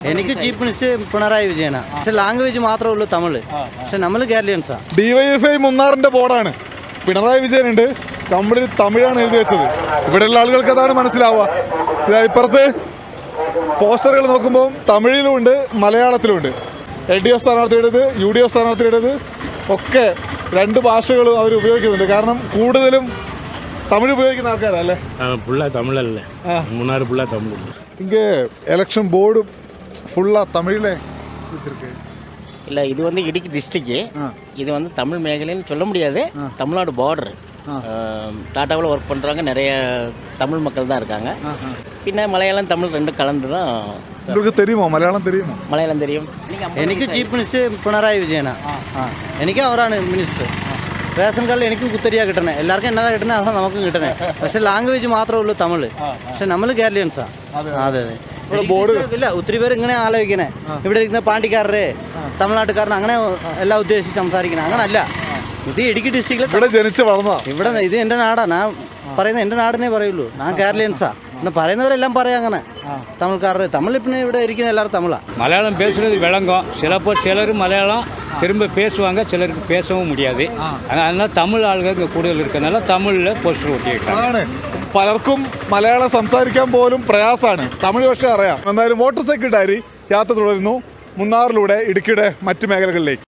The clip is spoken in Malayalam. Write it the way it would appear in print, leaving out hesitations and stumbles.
എനിക്ക് ചീഫ് മിനിസ്റ്റർ പിണറായി വിജയനാണ്. പക്ഷെ ലാംഗ്വേജ് മാത്രമേ ഉള്ളൂ തമിഴ്. പക്ഷെ നമ്മൾ കേരളീയൻസാ. DYFI മുന്നാറിന്റെ ബോർഡാണ്. പിണറായി വിജയനുണ്ട്, കംപ്ലീറ്റ് തമിഴാണ് എഴുതി വെച്ചത്. ഇവിടെയുള്ള ആളുകൾക്ക് അതാണ് മനസ്സിലാവുക. ഇപ്പുറത്ത് പോസ്റ്ററുകൾ നോക്കുമ്പോൾ തമിഴിലും ഉണ്ട്, മലയാളത്തിലും ഉണ്ട്. LDF സ്ഥാനാർത്ഥിയുടേത്, UDF സ്ഥാനാർത്ഥിയുടേത് ഒക്കെ രണ്ട് ഭാഷകളും അവർ ഉപയോഗിക്കുന്നുണ്ട്. കാരണം കൂടുതലും തമിഴ് ഉപയോഗിക്കുന്ന ആൾക്കാരല്ലേ. തമിഴല്ലേ, മൂന്നാർ ഫുള്ളാ തമിഴ്. இங்கே எலெக்ஷன் போர்டு ஃபுல்லாக தமிழில் வச்சுருக்கு. இல்லை, இது வந்து இடுக்கி டிஸ்ட்ரிக்ட். இது வந்து தமிழ் மேഖലன்னு சொல்ல முடியாது. தமிழ்நாடு பார்டர். டாட்டாவில் ஒர்க் பண்ணுறவங்க நிறைய தமிழ் மக்கள் தான் இருக்காங்க. பின்ன மலையாளம் தமிழ் ரெண்டும் கலந்து தான். உங்களுக்கு தெரியுமா மலையாளம்? தெரியுமா? മലയാളം தெரியும். എനിക്ക് ചീഫ് മിനിസ്റ്റർ പിണറായി വിജയനാണ്. എനിക്ക് അവരാണ് മിനിസ്റ്റർ. റേഷൻ കാർഡിൽ എനിക്കും കുത്തരിയാണ് കിട്ടണേ. എല്ലാവർക്കും എന്നതാ കിട്ടണേ, അതാണ് നമുക്കും കിട്ടണേ. പക്ഷെ ലാംഗ്വേജ് മാത്രമേ ഉള്ളൂ തമിഴ്. പക്ഷെ നമ്മൾ കേരളീയൻസാ. അതെ അതെ. ഇല്ല, ഒത്തിരി പേര് ഇങ്ങനെ ആലോചിക്കണേ. ഇവിടെ ഇരിക്കുന്ന പാണ്ടിക്കാരര്, തമിഴ്നാട്ടുകാരൻ അങ്ങനെ എല്ലാം ഉദ്ദേശിച്ച് സംസാരിക്കണേ. അങ്ങനല്ല. ഇത് ഇടുക്കി ഡിസ്ട്രിക്റ്റിൽ ഇവിടെ ജനിച്ച് വളർന്ന ഇവിടെ ഇത് എൻ്റെ നാടാണ്. ഞാൻ പറയുന്നത് എൻ്റെ നാടിനെ പറയുള്ളൂ. ഞാൻ കേരളീയൻസാ. എന്ന് പറയുന്നവരെല്ലാം പറയാം അങ്ങനെ. തമിഴ്ക്കാരർ തമിഴ് പിന്നെ ഇവിടെ ഇരിക്കുന്ന എല്ലാവരും തമിഴാണ്. மலையாளம் பேசுறது விளங்கும். சிலர் மலையாளம் திரும்ப பேசுவாங்க, சிலருக்கு பேசவும் முடியாது. அதனால தமிழ் ആളുകൾ இங்கே കൂടുതൽ இருக்கிறதுனால தமிழில் പോസ്റ്റർ ഒട്ടിയിട്ടാണ്. പലർക്കും മലയാളം സംസാരിക്കാൻ പോലും പ്രയാസമാണ്. തമിഴ് പക്ഷേ അറിയാം. എന്തായാലും മോട്ടോർ സൈക്കിൾ ഡയറി യാത്ര തുടരുന്നു മുന്നാറിലൂടെ ഇടുക്കിയുടെ മറ്റു മേഖലകളിലേക്ക്.